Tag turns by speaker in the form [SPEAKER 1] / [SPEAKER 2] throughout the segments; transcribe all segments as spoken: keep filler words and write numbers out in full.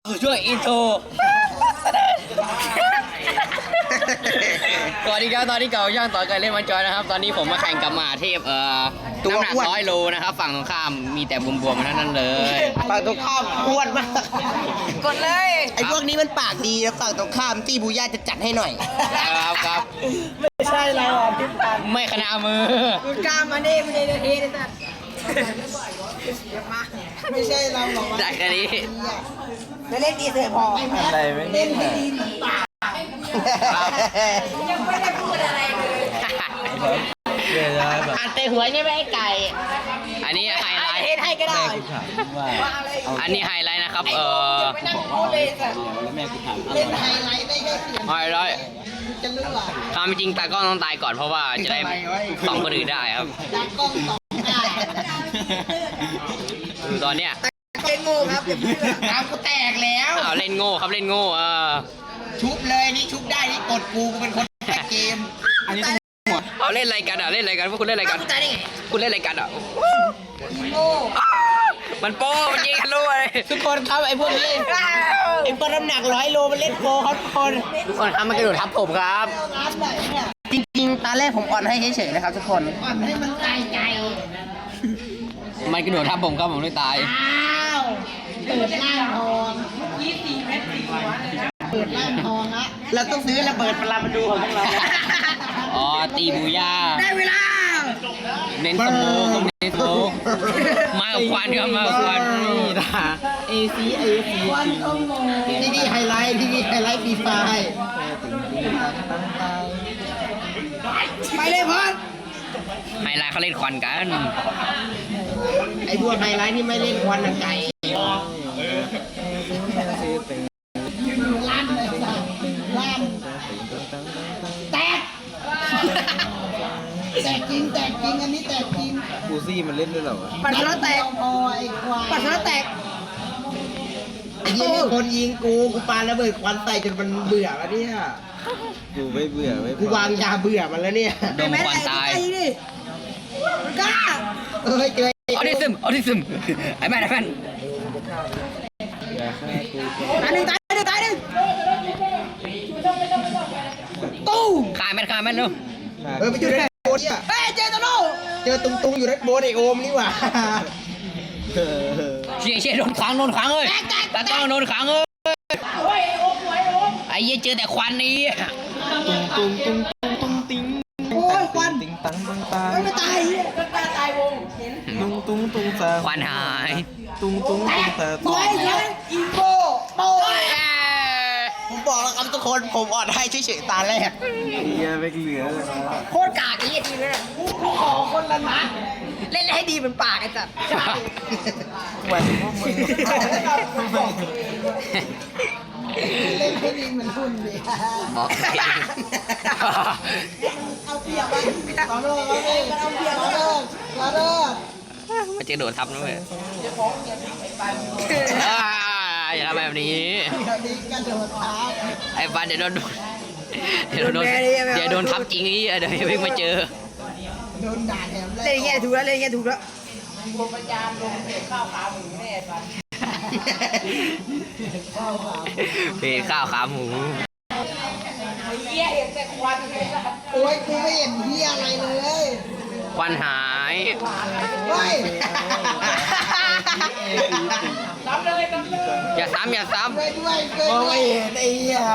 [SPEAKER 1] ช่วยอินโทรสวัสดีครับตอนนี้เก่าย่างต่อกันเล่นมันจอยนะครับตอนนี้ผมมาแข่งกับหมาเทพเอ่อน้ำหนักร้อยโลนะครับฝั่งตรงข้ามมีแต่บวมๆมาทั้งนั้นเลย
[SPEAKER 2] ฝั่งตรงข้ามอ้วนมาก
[SPEAKER 3] กดเลย
[SPEAKER 2] ไอ้พวกนี้มันปากดีนะฝั่งตรงข้ามที่บูย่าจะจัดให้หน่อย
[SPEAKER 1] ครับครับ
[SPEAKER 3] ไม่ใช่เราอ่ะพี่ปัน
[SPEAKER 1] ไม่ขนามือ
[SPEAKER 3] คุณกล้ามาดิไม่ได้เทได้สัตว์ไม่ใช่เราหรอก
[SPEAKER 1] ได้แค่นี้
[SPEAKER 3] จะเล่นดีเสียพอ
[SPEAKER 2] อะไรไม่
[SPEAKER 3] เล่นให้ดีปากยังไม่ได้พูดอะไรเลย
[SPEAKER 1] อ่านเตะหัวใช่ไหมไอ้ไก่อันนี้ไฮไลท์
[SPEAKER 3] เทให้ก็ได้
[SPEAKER 1] อันนี้ไฮไลท์นะครับเออ
[SPEAKER 3] เล่นไฮไลท์ได้แค่เสียง
[SPEAKER 1] ไฮไลท์
[SPEAKER 3] จะเลือก
[SPEAKER 1] ความจริงตากล้องต้องตายก่อนเพราะว่าจะได้ส่องคนอื่นได้ครับ
[SPEAKER 3] ตากล้องสองได้
[SPEAKER 1] คือตอนเนี้ย
[SPEAKER 3] เล่นโง่ครับน้ำกูแตกแล้ว
[SPEAKER 1] เอาเล่นโง่ครับเล่นโง่เออ
[SPEAKER 3] ชุบเลยนี่ชุบได้นี่กดกูกูเป็นคนแข่งเกม
[SPEAKER 1] อันนี้เอาเล่นอะไรกันอ่ะเล่นอะไรกันพวกคุณเล่นอะไรกันคุณเล่นอะไรกันอ่ะ
[SPEAKER 3] โง่
[SPEAKER 1] มันโป้มันยิงกันด้วย
[SPEAKER 2] ทุกคนครับไอ้พวกนี้ไอ้พวกน้ำหนักร้อยโลมันเล่นโปครับทุกคน
[SPEAKER 1] ทุกคนครับมันกระโดดทับผมครับ
[SPEAKER 2] จริงๆตาแรกผมอ่อนให้เฉยๆนะครับทุกคน
[SPEAKER 3] อ่อนให้มันตายใจ
[SPEAKER 1] มันกระโดดทับผมครับผมเลยตาย
[SPEAKER 3] อ้าวเปิดร่างทองยี่สิบเมตรสี่หัวเปิดร่างทองละ
[SPEAKER 2] เราต้องซื้อระเบิดปรามาดูของพวกเรา
[SPEAKER 1] อ๋อตีบูย่า
[SPEAKER 3] ได้เวลา
[SPEAKER 1] เน้นสโมกเน้นสโมกมากับควันครับมากับควัน
[SPEAKER 2] นี่นะเอซีเอซี
[SPEAKER 3] ควันขโมย
[SPEAKER 2] ที่นี่ไฮไลท์ที่นี่ไฮไลท์ฟีไฟ
[SPEAKER 3] ไปเลยพ่อ
[SPEAKER 1] ไฮไลท์เขาเล่นควันกัน
[SPEAKER 2] ไอ้พวกไฮไลท์นี่ไม่เล่นควันไก่
[SPEAKER 3] ลั่นเลยจ้ะลั่นแตกแตกจริงแตกจริงอันนี้แตกจริง
[SPEAKER 2] กูซี่มันเล่นด้วยเหรอ
[SPEAKER 3] ปัดแล้วแตกพอไอ้ควายปัดแล้วแตก
[SPEAKER 2] ไอ้ยี่คนยิงกูกูปาระเบิดควันใส่จนมันเบื่อแล้วเนี่ยกูไม่เบื่อไม่กูวางยาเบื่อมันแล้วเนี่ย
[SPEAKER 1] โดนควันตาย
[SPEAKER 3] กล้า
[SPEAKER 2] เอ้ยเจอ
[SPEAKER 1] ออทิซึมออทิซึมไอ้แม่ไอ้แม่
[SPEAKER 3] ตายหนึ่งตายหนึ่งตายหนึ่งตู้
[SPEAKER 1] ขายแม่ขายแม่เร็ว
[SPEAKER 2] เออไปอยู่ในโบนเนี่ย
[SPEAKER 3] เฮ้ยเจอตะโน่
[SPEAKER 2] เจอตุงตุงอยู่ในโบนไอโอมนี่หว่า
[SPEAKER 1] เชี่ยเชี่ยโดนขังโดนขังเลยตากล้องโดนขังเลยไอ้เหี้ยเจอแต่ควันนี้
[SPEAKER 2] ตุงตุงตุงตุงติง
[SPEAKER 3] โอ้ยควัน
[SPEAKER 2] ติงตังตังตา
[SPEAKER 3] ไม่ตายก็ตายตายวงเห็น
[SPEAKER 2] ตุงตุงตุงตา
[SPEAKER 1] ควันหาย
[SPEAKER 2] ตุงตุงตุงตา
[SPEAKER 3] สวยสวยอีโก้โป้
[SPEAKER 2] ผมบอกแล้วครับทุกคนผมอ่อนให้เฉยๆตาแรกเหี้ยไม่เหลือเลย
[SPEAKER 3] โคตรกากไอ้ทีเลยกูขอคนละนัดเล่นให้ดีเป็นปากไอ้สัตว์
[SPEAKER 2] แหวนพวกมึงเล่นให้ดีเหมือนหุ่นดิ
[SPEAKER 1] บอก
[SPEAKER 3] เอาเปรียบไปเอาเลิกเอาเปรียบเอาเลิกเอาเลิก
[SPEAKER 1] มันจะโดดทับนะเว้ยอย่าทำแบบนี้ไอ้ฟันเดี๋ยวโดนเดี๋ยวโดนเดี๋ยวโดนทับจริงนี่เดี๋ยวเพิ่งมาเจอ
[SPEAKER 3] โดนด่าแถมเล่นแง่ถูกแล้วเล่นแง่ถูกแล้วรวมประจานลงเพจข้าวขาหมูแน่ฟัน
[SPEAKER 1] เพจข้าวขาหมู
[SPEAKER 3] เฮียเห็นแต่ควันโอ้ยกูไม่เห็นเฮียอะไรเลย
[SPEAKER 1] ควันหาย
[SPEAKER 3] เฮ้ย
[SPEAKER 1] อย่าซ้ำอย่าซ้ำ
[SPEAKER 3] ด้วยด้วย
[SPEAKER 2] มองไม่เห็นไอ้เหี้ย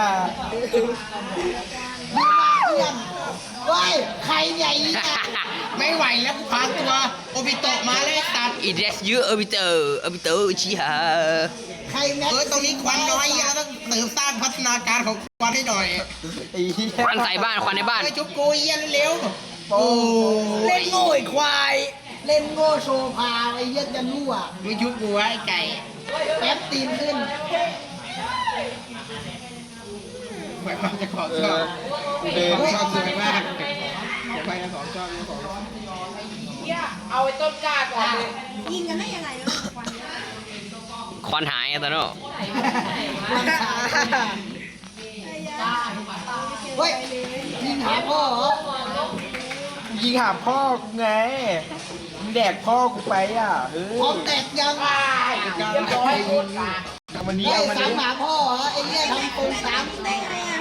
[SPEAKER 3] ดีมากเพื่อนเฮ้ยใครใหญ่
[SPEAKER 2] ไม่ไหวแล้วพาตัวโอบิโตะมาเลยตัด
[SPEAKER 1] อีเดสยูเออบิเตอร์เออบิเตอร์ชิฮะ
[SPEAKER 3] ใครแม็ก
[SPEAKER 2] เออตรงนี้ควันน้อยเราต้องเติมสร้างพัฒนาการของควันให้หน่อย
[SPEAKER 1] ควันใส่บ้านควันในบ้าน
[SPEAKER 2] ไปจุ๊บกูเยี่ยเร็ว
[SPEAKER 3] โอ้เล่นโง่ไอ้ควายเล่นโง่โชว์พาไอ้เยี่ยจะรั่ว
[SPEAKER 2] ไม่จุ๊บกูไอ้ไก่
[SPEAKER 3] แป๊บตีนขึ้น
[SPEAKER 2] หมายความจะขอชอบเดินชอบสวยมากไปนะสองชอบนะสอง
[SPEAKER 3] เอาไอ้ต้นกล้าก่อนเลยยิงกันได้ยังไงเนี่ย
[SPEAKER 1] ควันหายอะตอนนั้น
[SPEAKER 3] เฮ้ยยิงหาพ่อเหรอ
[SPEAKER 2] ยิงหาพ่อไงแดกพ่อกูไปอ่ะเออ
[SPEAKER 3] พ่อแตกยังเรียบร้อย
[SPEAKER 2] มันนี้
[SPEAKER 3] ไอ้
[SPEAKER 2] เอามัน
[SPEAKER 3] สา
[SPEAKER 2] นี้
[SPEAKER 3] มหมาพ่อเหรอไอ้เนี่ยทำตรงสามได้ไงอ่ะ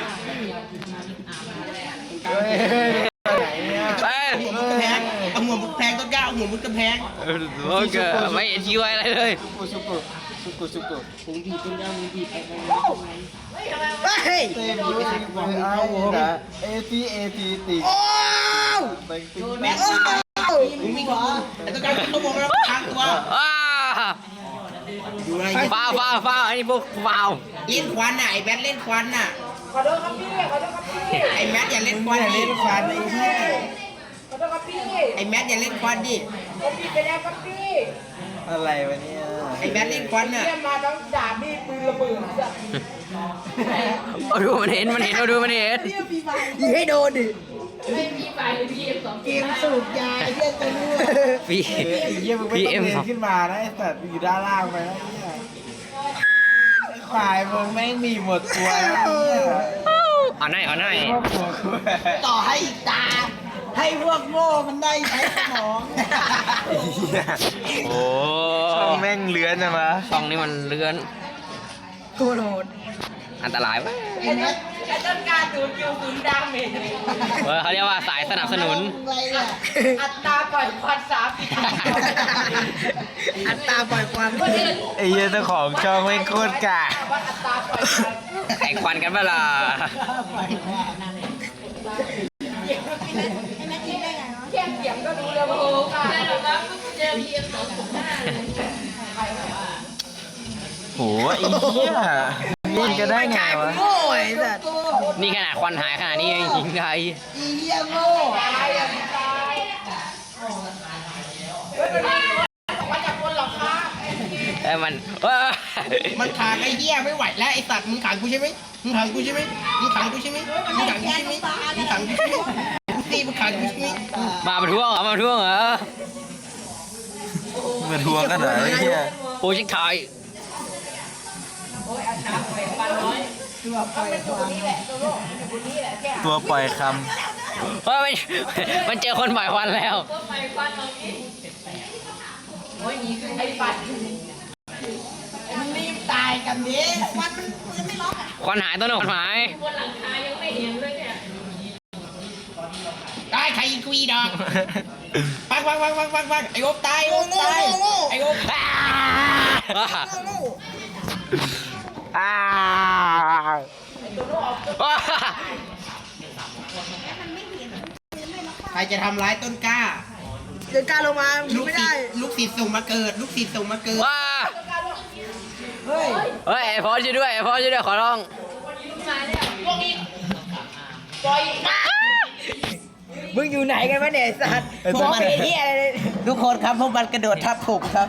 [SPEAKER 2] เฮ้ยไหนเนี่ย
[SPEAKER 1] ไป
[SPEAKER 2] หัวมุดกระแพงเอาหัวมุดกระแพงต้นกล้าเอาหัวมุดกระแพง
[SPEAKER 1] โอเคไม่เห็นชี้ไว้อะไรเลย
[SPEAKER 2] สุกุสุกุสุกุ
[SPEAKER 3] ผมบีบต้นยางมึงบีบไปไปเฮ้ย
[SPEAKER 2] เต้นด้วยเอาหัวเอทีเอทีติ
[SPEAKER 3] โอ้
[SPEAKER 2] เต็งติ๊ง
[SPEAKER 3] แม่โอ้มึงมีหัว
[SPEAKER 2] ไอ้ต้นกล้าต้องมองแล้วทางตัว
[SPEAKER 1] อ้า
[SPEAKER 2] ดูอะไร
[SPEAKER 1] ฟ้าวฟ้าวฟ้าวอันนี้พวกฟ้าว
[SPEAKER 2] เล่นควันน่ะไอ้แบทเล่นควันน่ะ
[SPEAKER 3] ขอโทษครับพี่ขอโทษครับพี่
[SPEAKER 2] ไอ้แมทอย่าเล่นควันเล่นควันไอ้เหี้ย
[SPEAKER 3] ขอโทษครับพี่
[SPEAKER 2] ไอ้แมทอย่าเล่นควันดิ
[SPEAKER 3] ผมบีบไปแล้วครับพี่
[SPEAKER 2] อะไรวะเนี่ยไอ้แมทเล่นควันน่ะ
[SPEAKER 3] เรียกมาทั้งดาบมีดปืนระเบิดจ้ะ
[SPEAKER 1] เอาดูมันเห็นมันเห็นเอาดูมันเห็น
[SPEAKER 3] ยิงให้โดนดิไม่มีไฟพี่เอ็มสองเกมสูบยาไอ้เหี้ยตัวนู้น
[SPEAKER 1] พี่
[SPEAKER 2] ไอ้เหี้ยมึงไม่
[SPEAKER 1] พี่
[SPEAKER 2] ต้อง
[SPEAKER 1] เอ็ม
[SPEAKER 2] เดินขึ้นมานะไอ้สัตว์อยู่ด้านล่างไปนะเนี่ยไอ้ควายมึงแม่งมีหมดตัวแล้วเนี่ย
[SPEAKER 1] เอาหน่อยเอาหน่อย
[SPEAKER 2] ครอบครัวกู
[SPEAKER 3] ต่อให้อีกตา ให้พวกโง่มันได้ใช้สมอง
[SPEAKER 1] โอ้
[SPEAKER 2] ช่องแม่งเลื้อนนะมะ
[SPEAKER 1] ช่องนี้มันเลื่อน
[SPEAKER 3] ตัวโหด
[SPEAKER 1] อันตรายวะ
[SPEAKER 3] ไอ้เนี่ยไอ้ต้นการศูนย์คิวศูนย์ดาเมจ
[SPEAKER 1] เออเขาเรียกว่าสายสนับสนุน
[SPEAKER 3] อะไรเนี่ยอัตราปล่อยควันสามสิบอัตราปล่อยควัน
[SPEAKER 2] ไอ้เหี้ยเจ้าของช่องแม่งโคตรกะ
[SPEAKER 3] วัดอัตราปล่อยควัน
[SPEAKER 1] แข่งควันกันเปะล่า
[SPEAKER 3] แค่เสียงก็รู้แล้วว่าโอ้ค่ะเจอพีเอ็มสองจุดห้า
[SPEAKER 2] โหไอ้เหี้ยเล่นกันได้ไงวะ
[SPEAKER 3] โง่ไอ้สัตว์
[SPEAKER 1] นี่ขนาดควันหายขนาดนี้ยังยิงไง
[SPEAKER 3] อีเหี้ยโง่ตายอ่ะตายเฮ้ยมันมาจากบนหลังคา
[SPEAKER 1] แต่มันเอ้ย
[SPEAKER 2] มันขังไอ้เหี้ยไม่ไหวแล้วไอ้สัตว์มึงขังกูใช่ไหมมึงขังกูใช่ไหมมึงขังกูใช่ไหมมึงขังกูใช่ไหมมึงขังกูใช่ไหมตีมึงขังกูใช่ไหม
[SPEAKER 1] มาประท้วงเหรอมาประท้วงเหรอ
[SPEAKER 2] มาทวงกันเหรอไอ้เหี้ย
[SPEAKER 1] โปรเจกต์ไทย
[SPEAKER 2] ตัวปล่อยค
[SPEAKER 1] เฮ้ยมันมันเจอคนปล่อยควันแล้ว
[SPEAKER 3] ไอ้ปัดมันรีบตายกันดิควันมันมันไม่ล็อกอ่ะ
[SPEAKER 1] ควันหายต้นหนหาย
[SPEAKER 2] ได้ใครยิงกูอีดอกปังปังปังปังปังปังไอ้โอ๊บตายไอ้โอ๊บตายไอ้โอ๊บ
[SPEAKER 1] อ่า
[SPEAKER 3] โง่
[SPEAKER 2] อ้า ใครจะทำร้ายต้นกล้า
[SPEAKER 3] เดินการลงมา
[SPEAKER 2] ลูก
[SPEAKER 3] ไม่
[SPEAKER 2] ศิ
[SPEAKER 3] ได้
[SPEAKER 2] ษย์ลูกศิษย์ส่งมาเกิด ลูกศิษย์ส่งมาเกิด
[SPEAKER 1] ว้า
[SPEAKER 3] เฮ้ย
[SPEAKER 1] เฮ้ยไอ้พอช่วยด้วยไอ้พอช่วยด้วยขอร้อง
[SPEAKER 3] มึงอยู่ไหนกันวะเนี่ยไอ้สัตว์มองไม่เห็นที่อะไรเลย
[SPEAKER 2] ทุกคนครับพวกมันกระโดดทับผมครับ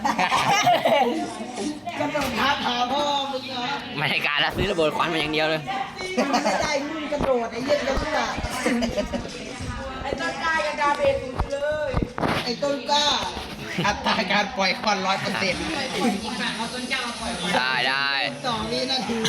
[SPEAKER 3] กระโดดทับหาพ่อมึงเหรอ
[SPEAKER 1] ไม่ได้การละซื้อระเบิดควันมาอย่างเดียวเลย
[SPEAKER 3] มันไม่ได้มึงกระโดดไอ้เหี้ยกระโดดไอ้ต้นกล้ายังดาเบสุดเลย ไอ้ต้นกล้า
[SPEAKER 2] อัตราการปล่อยควันร้อยเปอร์เซ็นต์
[SPEAKER 1] ได้ได้
[SPEAKER 3] สองวินาที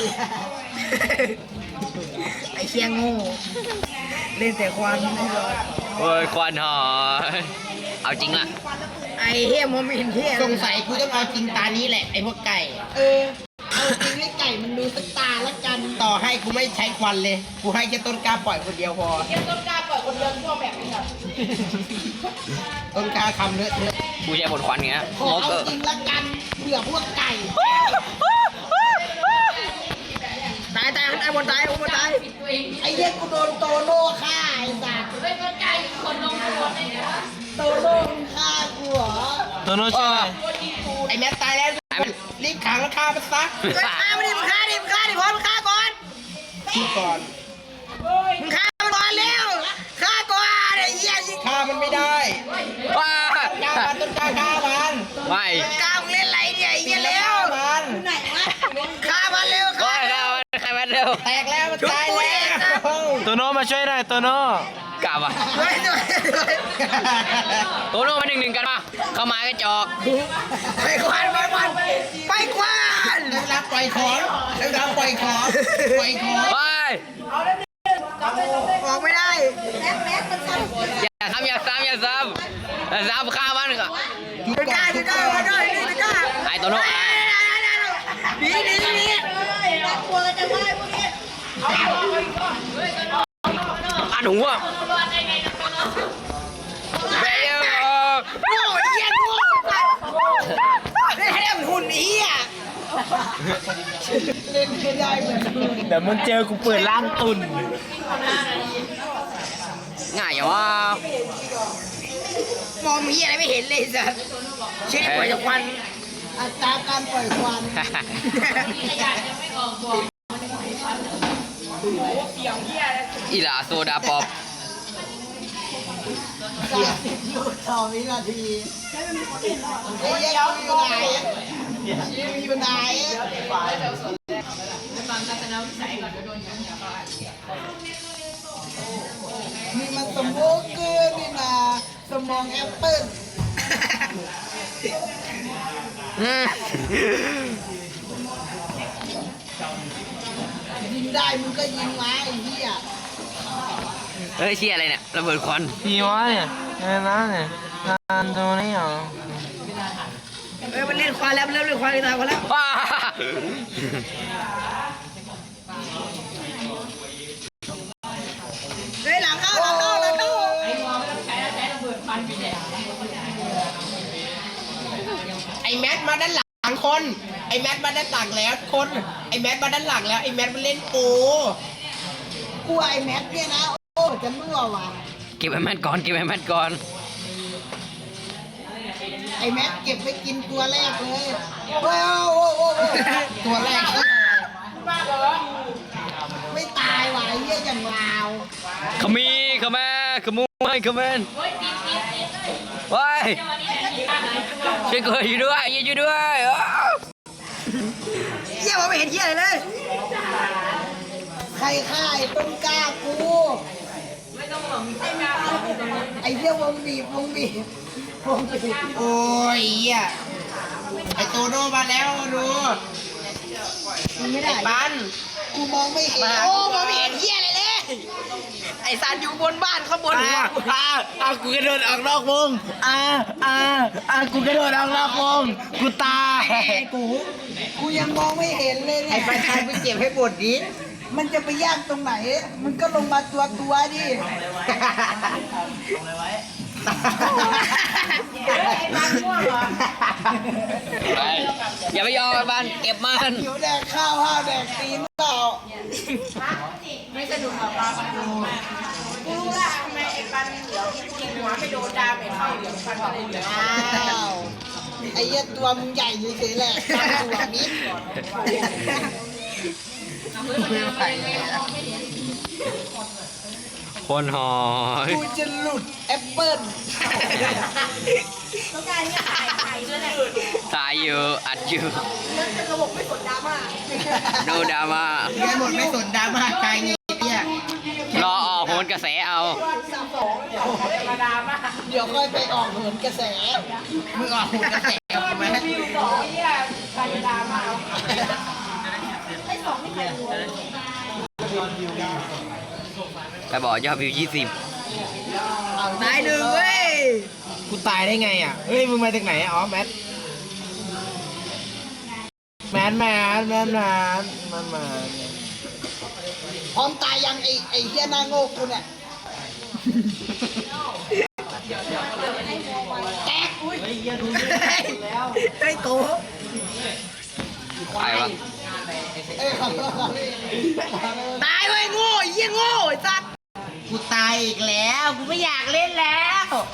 [SPEAKER 3] ไอ้เชียงโง่เล่นแต่ควันไม่รอด
[SPEAKER 1] เฮ้ยควันหายเอาจริงล่ะ
[SPEAKER 3] ไอ้เฮียมองไม่เห็นเฮีย
[SPEAKER 2] สงสัยกูต้องเอาจริงตานี้แหละไอ้พวกไก่
[SPEAKER 3] เออเอาจริงให้ไก่มันดูสักตาละกัน
[SPEAKER 2] ต่อให้กูไม่ใช้ควันเลย กูให้แค่ต้นกล้าปล่อยคนเดียวพอ
[SPEAKER 3] เฮียต้นกล้าปล่อยคนเดียวพวกแบบนี้ครับ
[SPEAKER 2] ต้นกล้าคำเลอะเทอะ
[SPEAKER 1] กูใช้บทควันเงี้ย
[SPEAKER 3] ขอ
[SPEAKER 1] โม
[SPEAKER 3] เอา
[SPEAKER 1] เกอร์
[SPEAKER 3] จริงละกันเผื่อพวกไก่ตายตายไอ้บนตายไอ้บนตายไอ้เหี้ยกูโดนโตโน่ฆ่าไอ้สัตว์ไอ้ต้นไก่คนลงตัวไอ้เนี่ยโตโน่มึงฆ่ากูเหรอ
[SPEAKER 2] ตัวโน้ตใช่ไหมไอ้แมทตายแล้วรีบขังแล้วฆ่ามันซะ
[SPEAKER 3] เฮ้ยฆ่ามันดิมึงฆ่าดิมึงฆ่าดิพอมึงฆ่าก่อน
[SPEAKER 2] คิดก่อน
[SPEAKER 3] มึงฆ่ามันก่อนเร็วฆ่าก่อนไอ้เหี้ยยิง
[SPEAKER 2] ฆ่ามันไม่ได้
[SPEAKER 1] ว้า
[SPEAKER 2] ฆ่ามันต้นกล้าฆ่ามัน
[SPEAKER 1] ไม่
[SPEAKER 3] กล้ามึงเล่นอะไรเนี่ยไอ้เหี้ยเร็ว
[SPEAKER 2] ฆ่ามัน
[SPEAKER 3] ไหนวะฆ่ามันเร็ว
[SPEAKER 1] โอ้
[SPEAKER 3] ฆ่าย มัน
[SPEAKER 1] ใครมันเร็ว
[SPEAKER 2] แตกแล้วมันตายแล้ว
[SPEAKER 4] ตัวโน้มาช่วยหน่อยตัวโน้
[SPEAKER 1] กลับอ่ะ
[SPEAKER 3] เฮ้ยเฮ้ยเฮ้ย
[SPEAKER 1] โตโน่มาหนึ่งหนึ่งกันมาเข้ามากระจอก
[SPEAKER 3] ไปควันไปควันไปควัน
[SPEAKER 2] ได้เวลาปล่อยของได้เวลาปล่อยของปล่อยของ
[SPEAKER 1] ไป
[SPEAKER 3] ออกไม่ได้แม็กแม็กมันสั่น
[SPEAKER 1] อย่าซ้ำอย่าซ้ำอย่าซ้ำอย่าซ้ำฆ่ามันก่อน
[SPEAKER 3] ไม่กล้าไม่กล้าไม่กล้าไม่กล้า
[SPEAKER 1] ไอ้โตโน่ไอ้
[SPEAKER 3] ไหนีหนีหนีน่ากลัวจังเลยพวกนี้
[SPEAKER 1] อันหัวแบล
[SPEAKER 3] โอ้ยเหี้ยโง่ได้ให้มันหุ่นเหี้ยเล่นไม่ได้เหมือน
[SPEAKER 4] เดี๋ยวมึงเจอกูเปิดร่างตุน
[SPEAKER 1] ง่ายอย่างว่าม
[SPEAKER 3] องมีอะไรไม่เห็นเลยสัสเช็ดปล่อยจากควันอัตราการปล่อยควัน
[SPEAKER 1] อีหลาโซดาป๊อป
[SPEAKER 3] สามสิบยูสองวินาทีไอ้เหี้ยกูอยู่ไหนอยู่ไหนนี่มันสมองเกินนี่นะสมองแอปเปิ้ล
[SPEAKER 1] อืม
[SPEAKER 3] ยิงได้มึงก็ยิงมาไอ้เหี้ย
[SPEAKER 1] เฮ้ยเชี่ยอะไรเนี่ยระเบิดควัน
[SPEAKER 4] พี่วะเนี่ยเอ้ยนะเนี่ยงานตัวนี้เหรอ
[SPEAKER 3] เอ้ยมันเล่นควายแล้วมันเล่นควายตายควายแล้ว
[SPEAKER 1] ว้า
[SPEAKER 3] เฮ้ยหลังเข้าหลังเข้าหลังเข้า
[SPEAKER 2] ไอ้แมทมาด้านหลังคน ไอ้แมทมาด้านหลังแล้วคน ไอ้แมทมาด้านหลังแล้วไอ้แมทมันเล่นโป
[SPEAKER 3] กูไอ้แม็กเนี่ยนะโอ้จะมั่วว่ะ
[SPEAKER 1] เก็บไอ้แมทก่อนเก็บไอ้แมทก่อน
[SPEAKER 3] ไอ้แม็กเก็บไปกินตัวแรกเลยว้าวโอ้โหตัวแรกไม่ตายว่ะไอ้เหี้ยอย่างลาว
[SPEAKER 1] ขมีขแม่ขมูให้ขแมนว้ายช่วยกูอยู่ด้วยอยู่ด้วยอ้าว
[SPEAKER 3] เหี้ยมองไม่เห็นเหี้ยอะไรเลยใครฆ่าไอ้ต้นกล้ากูไอ้เหี้ยวงบีบวงบีบวงบีบ
[SPEAKER 2] โอ้ยเหี้ยไอ้โตโน่มาแล้วดู
[SPEAKER 3] มันไม่ได้
[SPEAKER 2] ปัน
[SPEAKER 3] กูมองไม่เห็นโอ้มองไม่เห็นเหี้ยอะไรเลย ไอ้ซานอยู่บนบ้านข้างบนหัว
[SPEAKER 2] อ่าอ่ากูกระโดดออกนอกวงอ่าอ่าอ่ากูกระโดดออกนอกวงกูตาย
[SPEAKER 3] ไอ้กูกูยังมองไม่เห็นเลยเนี่ย
[SPEAKER 2] ไอ้ปันชัยไปเก็บให้หมดดิ
[SPEAKER 3] มันจะไปยากตรงไหน มันก็ลงมาตัวตัวดิ
[SPEAKER 1] ไปอย่าไปยอมไอ้บ้านเก็บมัน
[SPEAKER 3] หิวแดกข้าวห้าวแดกตีนเปล่า
[SPEAKER 5] กูรู้ละทำไมไอ้ปันเหลืองกินหัวไม่โดนดาเมจเข้าเหลืองฟันอะไรเหลือง
[SPEAKER 3] อ้าวไอ้เหี้ยตัวมึงใหญ่เฉยๆแหละตั้งตัวนิด
[SPEAKER 1] คนหอย
[SPEAKER 3] กูจะหลุดแอปเปิ้ล
[SPEAKER 5] ต้องการเนี่ยถ่ายถ่ายด้วยแหละ
[SPEAKER 1] ตายอยู่อัดอยู่
[SPEAKER 5] แล้วจะระบบไม่กดดราม่า
[SPEAKER 1] โนดราม่า
[SPEAKER 2] แกหมดไม่สนดราม่าใจเงี้ยเนี่ย
[SPEAKER 1] รอออกโหนกระแสเอา
[SPEAKER 5] มาดราม่า
[SPEAKER 3] เดี๋ยวค่อยไปออกเหินกระแส
[SPEAKER 2] มึงออกหุ่นกระแสออกไหม
[SPEAKER 5] สองเนี่ยใครดราม่าไอ้สองนี่ใครรู้
[SPEAKER 1] แต่บอกยอดวิวยี่สิบ
[SPEAKER 3] ตายหนึ่งเว้ย
[SPEAKER 2] กูตายได้ไงอ่ะ เฮ้ยมึงมาจากไหนอ๋อแมทแมทแมทแมทแมทมามา
[SPEAKER 3] พร้อมตายยังไอ้ไอ้เหี้ยหน้าโง่กูเนี่ยแตกอุ้ยไอ้โต
[SPEAKER 1] ใครวะ
[SPEAKER 3] เอ้ยขอโทษครับตายเว้ยโง่ไอ้เหี้ยโง่ไอ้สัตว์
[SPEAKER 2] กูตายอีกแล้ว กูไม่อยากเล่นแล้ว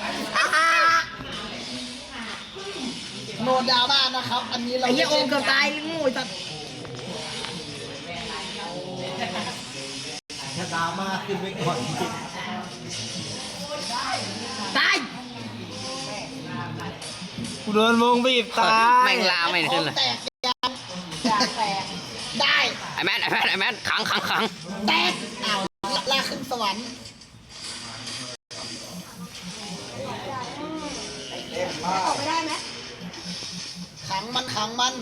[SPEAKER 3] โนดราม่านะครับ อันนี้เราไอ้เหี้ยโอมเกือบตายโง่ไอ้สัตว์ถ้าดราม่าขึ้นไปก่อนตาย
[SPEAKER 4] กูโดนวงบีบตาย
[SPEAKER 1] แม่งลาไม่ขึ้นเลย
[SPEAKER 3] แตกยังแตกได้
[SPEAKER 1] ไอ้แมทไอ้แมทไอ้แมทขังขังขัง
[SPEAKER 3] แตกอ้าวลากขึ้นสวรรค์ออกไม่ได้ไหมขังมันขังมัน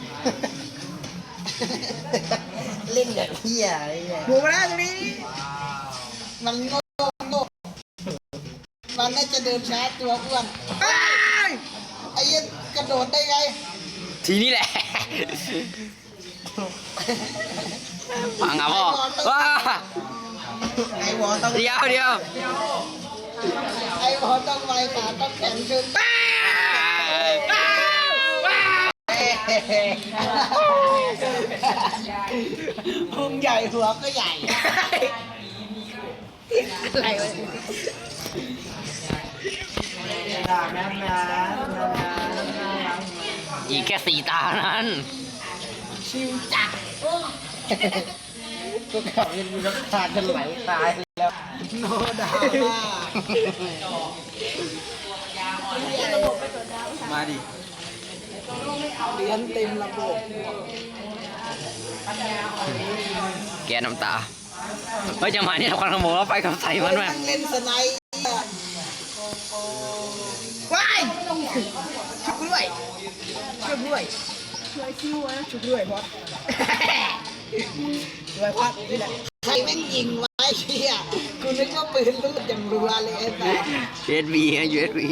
[SPEAKER 2] เล่นแบบเฮียอะไรเนี่ย
[SPEAKER 3] หมูมาแล้วตรงนี้ มันโง่โง่มันน่าจะเดินช้าตัวอ้วนเอ้ยไอ้เหี้ยันกระโดดได้ไง
[SPEAKER 1] ทีนี้แหละพังอ่ะพ่อว้า
[SPEAKER 2] ไอ้วอต้อง
[SPEAKER 1] เดียวเดียว
[SPEAKER 3] ไอ้บอลต้องไวขาต้องแข็งขึ้นพุงใหญ่หัวก็ใหญ่อะไรวะ
[SPEAKER 1] อีกแค่สี่ตานั้น
[SPEAKER 3] ชิวจัดก็ขับเป็นน้ำตาจะไหลตายแล้วโนดาม่า
[SPEAKER 2] มาดิ
[SPEAKER 3] เหรียญเต็มระบบ
[SPEAKER 1] แกน้ำตาเฮ้ยจังหวะนี้ควันขโมยไปกับใส่มันแม่
[SPEAKER 3] นั่งเล่นสไนด์ว้ายชุบด้วยชุบด้วยช่วยคิวนะชุบด้วยพอดด้วยพอดนี่แหละใครแม่งยิงไว้เชี่ยกูนึกว่าปืนลูกอย่างรัวเลยไอ้แต่
[SPEAKER 1] ยู เอส บี ฮะ ยู เอส บี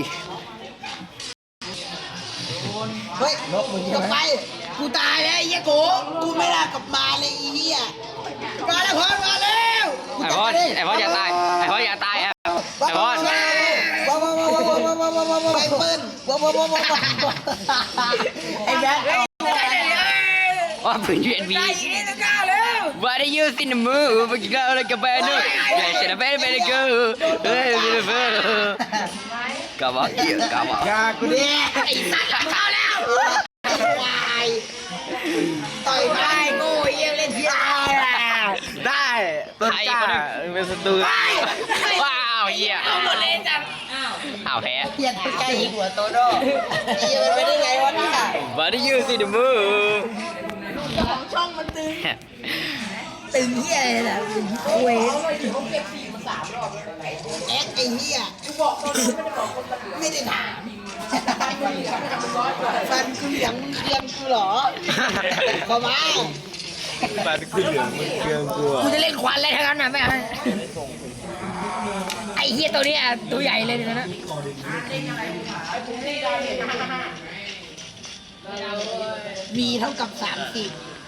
[SPEAKER 3] เฮ้ยกลับไปกูตายแล้วไอ้เหี้ยโกกูไม่น่ากลับมาเลยไอ้เหี้ยมาแล้วพอดมาแล้ว
[SPEAKER 1] ไอ้พอดไอ้พอดอย่าตายไอ้พอดอย่าตายอ่ะไอ้พอด
[SPEAKER 3] ว้าวว้าวว้าวว้าวว้าวว้าวว้าวว้าวว้าวไอ้ปืนว้าวว้าวว้าวว้าวไอ้แบ๊ก
[SPEAKER 1] ว่าปืน ยู เอส บี What are you in the mood? But you got like a banner. Yeah, should have been better go. Hey, beautiful. กลับมาเกี่ยวกลับมา
[SPEAKER 3] อย่ากูดิไอ้สัตว์หลังเข้าแล้ววายต่อยได้โง่เยี่ยเล่นที่ได้
[SPEAKER 2] ได้ต้นกล้าเป็นศัตรู
[SPEAKER 1] ว้าวเหี้ยเอาหมดเลยจังอ้าวแพ้
[SPEAKER 3] เพี้ยนใกล้ยิงหัวโตโน่เยี่ยมันไปได้ไงวะเนี่ย
[SPEAKER 1] What are you in the mood?
[SPEAKER 3] ตึงเหี้ยเลยนะตึงเวสแอ็กไอ้เหี้ยไม่ได้ถามฟันกูเหลืองมึงเคียงกูเหรอขอมา
[SPEAKER 2] ปาดกูเหลืองมึงเกลืองกู
[SPEAKER 3] กูจะเล่นควันอะไรทั้งนั้นนะแม่ไอ้เหี้ยตัวนี้อ่ะตัวใหญ่เลยเดี๋ยวนะมีเท่ากับสามสิบ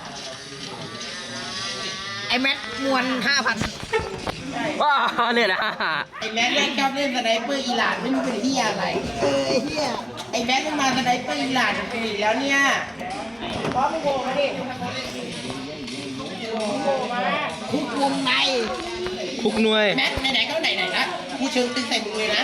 [SPEAKER 3] ไอ้แม็กมวนห้าพัน
[SPEAKER 1] ว้าวเนี่ยนะ
[SPEAKER 5] ไอ้แม็กเล่นชอบเล่นสไนเปอร์อีหลานไม่รู้เป็นที่อะไร
[SPEAKER 3] เออไอ้เหี้ย
[SPEAKER 5] ไอ้แม็กมันมาสไนเปอร์อีหลานเป็นอีกแล้วเนี่ยพร้อมโกงมาดิ
[SPEAKER 3] คุกวงใน
[SPEAKER 2] ทุกหน่วย
[SPEAKER 5] แม็กไหนๆก็ไหนๆนะกูเชิงตึงใส่มึงเลยนะ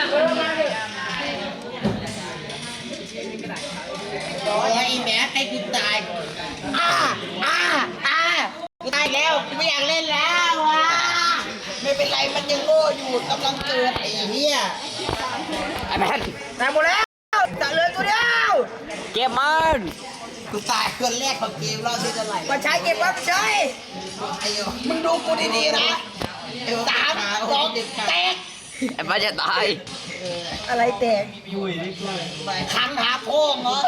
[SPEAKER 5] โอ้ยไอ้แม็กให้กูตาย
[SPEAKER 3] อ่าอ่าอ่ากูตายแล้วกูไม่อยากเล่นแล้วอ่ะไม่เป็นไรมันยังโง่อยู่กำลังเกิดไอ้เหี้ย
[SPEAKER 1] ไอ้แมน
[SPEAKER 3] ตายหมดแล้วจะเหลือตัวเดียว
[SPEAKER 1] เก็บมัน
[SPEAKER 3] กูตายคนแรกของเกมรอบที่เท่าไหร่มาใช้เก็บไว้มาใช้ไอ้โยมึงดูกูดีๆนะสามสองแตก
[SPEAKER 1] ไอ้แมนจะตาย
[SPEAKER 3] อะไรแตกคันหาโพงเหรอ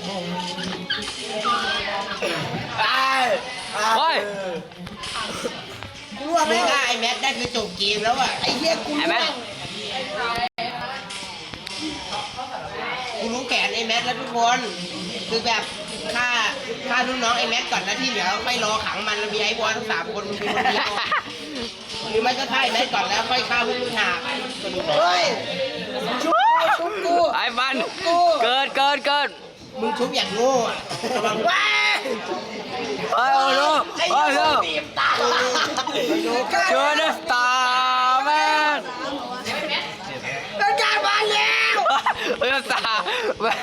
[SPEAKER 2] ตาย
[SPEAKER 1] โอ้ย
[SPEAKER 3] กูร่วง
[SPEAKER 5] ไม่
[SPEAKER 3] แล้ว
[SPEAKER 5] ฆ่าไอ้แม็กได้คือจบเกมแล้วอ่ะ
[SPEAKER 3] ไอ้เหี้ยกู
[SPEAKER 1] ไอ้
[SPEAKER 3] ร่
[SPEAKER 1] แม
[SPEAKER 3] วน ง
[SPEAKER 5] กูรู้แผนไอ้แม็กแล้วทุกคนคือแบบฆ่าฆ่าลูกน้องไอ้แม็กก่อนนะที่เหลือค่อยรอขังมันแล้วมีไอ้บอลทั้งสามคนมึงเป็นคนเดียวหรือไม่ก็ฆ่าไอ้แม็กก่อนแล้วค่อยฆ่าพวกมึงหาสนุก
[SPEAKER 3] เฮ้ยชุบกูชุบกู
[SPEAKER 1] ไอ้มันเกิดเกิดเกิด
[SPEAKER 5] มึงชุบอย่างโง่อะระวัง
[SPEAKER 3] ว้า
[SPEAKER 1] โอ้ยโอ้โหโอ้ยโอ้
[SPEAKER 3] บีบตา
[SPEAKER 1] ช่วยนะตาแมน
[SPEAKER 3] เป็นการมาแล้ว
[SPEAKER 1] เฮ้ยตาแมน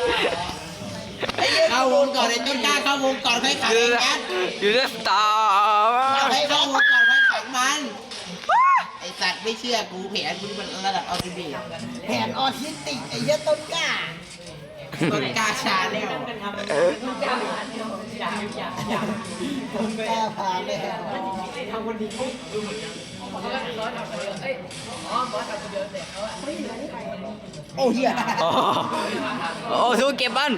[SPEAKER 5] เข้าวงก่อนไอ้ต้นกล้าเข้าวงก่อนค่อยขัง
[SPEAKER 1] อยู่
[SPEAKER 5] ไอ้
[SPEAKER 1] นะ
[SPEAKER 5] แม็ก
[SPEAKER 1] อยู่นะตาแมน
[SPEAKER 5] ให้เข้าวงก่อนค่อยขังมันไอ้สัตว์ไม่เชื่อกูแผนกูมันระดับออทิบี
[SPEAKER 3] แผนออทิสติกไอ้เหี้ยต้นกล้า
[SPEAKER 5] ต้นกล้าชาแนล
[SPEAKER 3] ต้นกล้าผ่านแล้วโอ้เหี้ย
[SPEAKER 1] โอ้โอ้ทุกเก็บมัน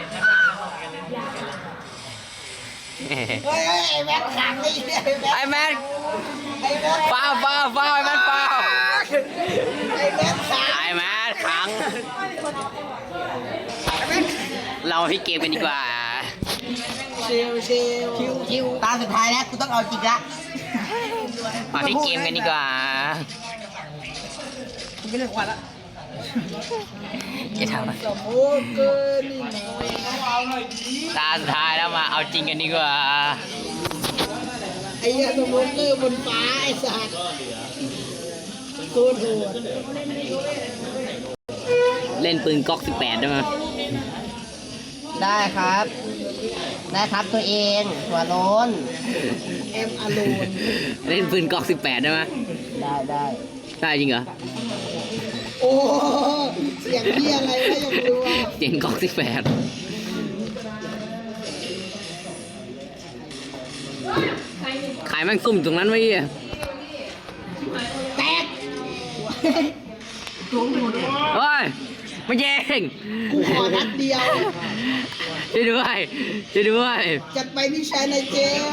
[SPEAKER 3] เฮ้ยเฮ้ยไอ้แม็กขังไอ้เหี้ยไอ้แม็ก
[SPEAKER 1] ไอ้แมน
[SPEAKER 3] ไอ้แม็ก
[SPEAKER 1] ฟาวฟาวฟาวไอ้แมนฟาว
[SPEAKER 3] ไอ้แม็กขัง
[SPEAKER 1] ไอ้แมนขังเราที่เกมกันดีกว่า
[SPEAKER 3] ชิวชิวชิวชิว
[SPEAKER 5] ตาสุดท้ายแล้วกูต้องเอาจริงละ
[SPEAKER 1] มาที่เกมกันดีกว่า
[SPEAKER 3] กูไม่เล่นควันละ
[SPEAKER 1] จะทำอะไร
[SPEAKER 3] โอ้เกินนี่นะ
[SPEAKER 1] ตาสุดท้ายแล้วมาเอาจริงกันดีกว่า
[SPEAKER 3] ไอ้เหี้ยสโมเกอร์บนฟ้าไอ้สัตว์โคตรโหด
[SPEAKER 1] เล่นปืนก๊อกสิบแปดได้ไหม
[SPEAKER 5] ได้ครับ ได้ครับตัวเองหัวโล้น
[SPEAKER 3] เอ็มอโลน
[SPEAKER 1] เล่นปืนก๊อกสิบแปดได้ไหม
[SPEAKER 5] ได้ได้
[SPEAKER 1] ได้จริงเหรอ
[SPEAKER 3] โอ้เสียงเหี้ยอะไรวะยังรู้ว่า
[SPEAKER 1] เจ๋งก๊อกสิบแปดขายแม่งซุ่มอยู่ตรงนั้นไว้เหี้ย
[SPEAKER 3] แตก
[SPEAKER 1] เฮ้ยไม่เจ๋ง
[SPEAKER 3] กูขอนัดเดียว
[SPEAKER 1] ช่วยด้วยช่วยด้วย
[SPEAKER 3] จัดไปพี่ชายในเจล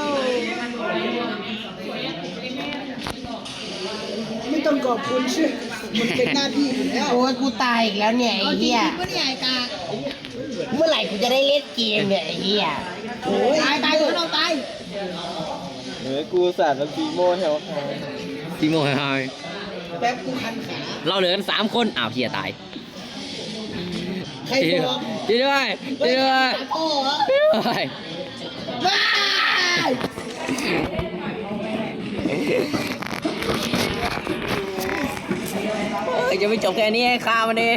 [SPEAKER 3] ไม่ต้องขอบคุณชื่อมันเป็นหน้าที่อยู่แล้ว
[SPEAKER 5] โอ้ยกูตายอีกแล้วเนี่ยไอ้เหี้ย
[SPEAKER 3] ก็เนี่ยไอ้กา
[SPEAKER 5] เมื่อไหร่กูจะได้เล่นเกมเนี่ยไอ้เหี้ย
[SPEAKER 3] โอ้ยตายตายเราตาย
[SPEAKER 4] เฮ้ยกูสาดแล้วปีโม่แถวหาย
[SPEAKER 1] พี่โมยหาย
[SPEAKER 3] แป๊บกูคันขา
[SPEAKER 1] เราเหลือกันสามคนอ้าวเฮียตาย
[SPEAKER 3] ใครบอก
[SPEAKER 1] ช่วยด้วยช่วยด้วย
[SPEAKER 3] โอ้โห
[SPEAKER 1] ช่วยด้วย
[SPEAKER 3] บ้า
[SPEAKER 1] เอ้ยจะไม่จบแค่นี้ให้ฆ่ามันดิ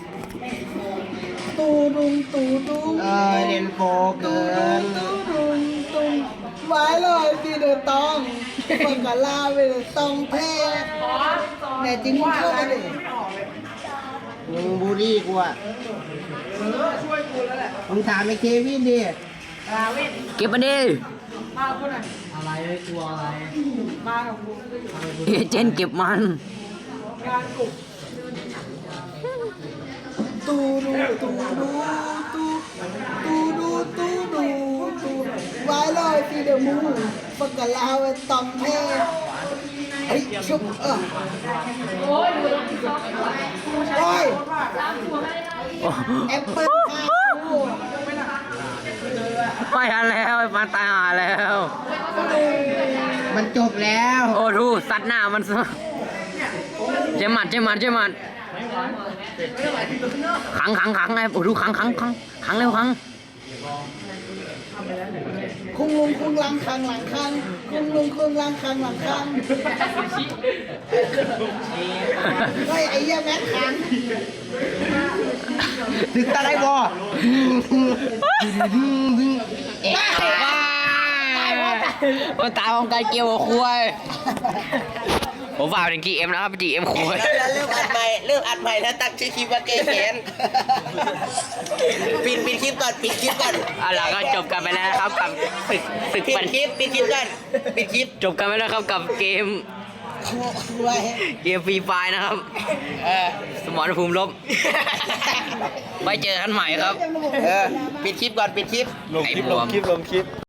[SPEAKER 3] ตูดุงตูดุง
[SPEAKER 5] เออเรียนโฟเกิน
[SPEAKER 3] ตูดุงตุงไว้ลอยสีเดือดตองปังกะลาไปเลยตองแพ้แน่จริงมึงเข้ามาดิ
[SPEAKER 5] มึงบูลลี่กูอ่ะมึงถามไอ้เควินดิ
[SPEAKER 1] เก็บมันดิเอเจนต์เก็บมัน
[SPEAKER 3] ตูดูตูดูตูตูดูตูดูตูไว้ลอยสีเดือดมูปังกะลาไปตองแพ้เฮ้ยชุบเออโอ้ยแอปเปิ้ลข้าวกู
[SPEAKER 1] ไม่ทันแล้วไอ้ปานตายหาแล้ว
[SPEAKER 5] มันจบแล้ว
[SPEAKER 1] โอ้ดูสัตว์หน้ามันซะเจหมัดเจหมัดเจหมัดขังขังขังไอ้โอ้ดูขังขังขังขังเร็วขัง
[SPEAKER 3] คุงลุงคุงลังคังหลังคังคุงลุงคุงลังคังหลังคังเฮ้ยไอ้เหี้ยแม็กคัง
[SPEAKER 5] ถึงตาได้บอ
[SPEAKER 1] เอ๊ะมันตายพร้อมกันเกี่ยวกับคุยผมฝากถึง จี เอ็ม นะครับ จี เอ็ม คุย
[SPEAKER 5] แล้วเริ่มอัดใหม่เริ่มอัดใหม่แล้วตั้งชื่อคลิปว่าเกย์แขนปิดปิดคลิปก่อนปิดคลิปก่อน
[SPEAKER 1] เอาล่ะก็จบกันไปแล้วนะครับกับศึกศึก
[SPEAKER 5] ปิด
[SPEAKER 1] ปัน
[SPEAKER 5] คลิปปิดคลิปก่อนปิดคลิป
[SPEAKER 1] จบกันไปแล้วครับกับเกม
[SPEAKER 3] ไว้
[SPEAKER 1] เกมฟรีไฟนะครับ
[SPEAKER 5] เออ
[SPEAKER 1] สมรภูมิลบไว้เจอกันใหม่ครับ
[SPEAKER 5] เออปิดคลิปก่อนปิดคลิป
[SPEAKER 4] ลงคลิปลงคลิปลงคลิป